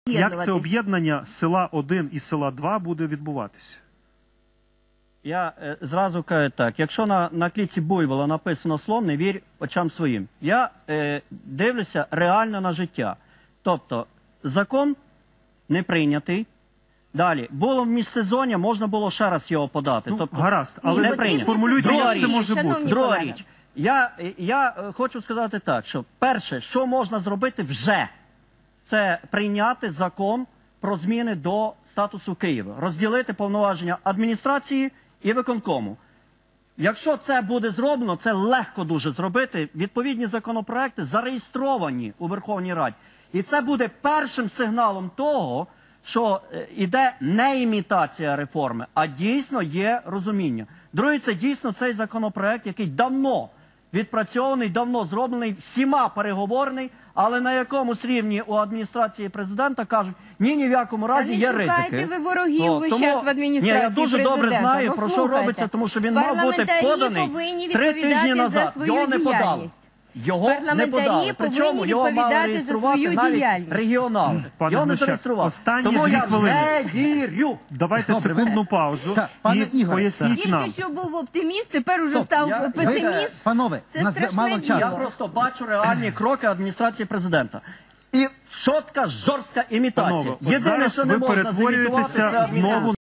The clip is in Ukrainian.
Як це об'єднання села 1 і села 2 буде відбуватися? Я зразу кажу так, якщо на клітці буйвола написано «Слон, не вірь очам своїм», я дивлюся реально на життя. Тобто, закон не прийнятий. Далі, було в міжсезоння, можна було ще раз його подати. Тобто, гаразд, але сформулюйте, як це може бути. Друга річ. Я хочу сказати так, що перше, що можна зробити вже, це прийняти закон про зміни до статусу Києва. Розділити повноваження адміністрації і виконкому. Якщо це буде зроблено, це легко дуже зробити. Відповідні законопроекти зареєстровані у Верховній Раді. І це буде першим сигналом того, що йде не імітація реформи, а дійсно є розуміння. Друге, це дійсно цей законопроект, який давно відпрацьований, давно зроблений, всіма переговорений, але на якомусь рівні у адміністрації президента кажуть, ні в якому разі є ризики. Не шукайте ви ворогів весь час в адміністрації президента. Я дуже добре знаю, про що робиться, тому що він мав бути поданий 3 тижні назад. Його не подали. Його не подали. Причому його мали реєструвати навіть регіонали. Його не зареєстрували. Тому я не вірю. Давайте секундну паузу і поясніть нам. Тільки що був оптиміст, тепер уже став песиміст. Панове, це страшне діло. Я просто бачу реальні кроки адміністрації президента. І чітка, жорстка імітація. Єдине, що не можна зімітувати, це адміністрація.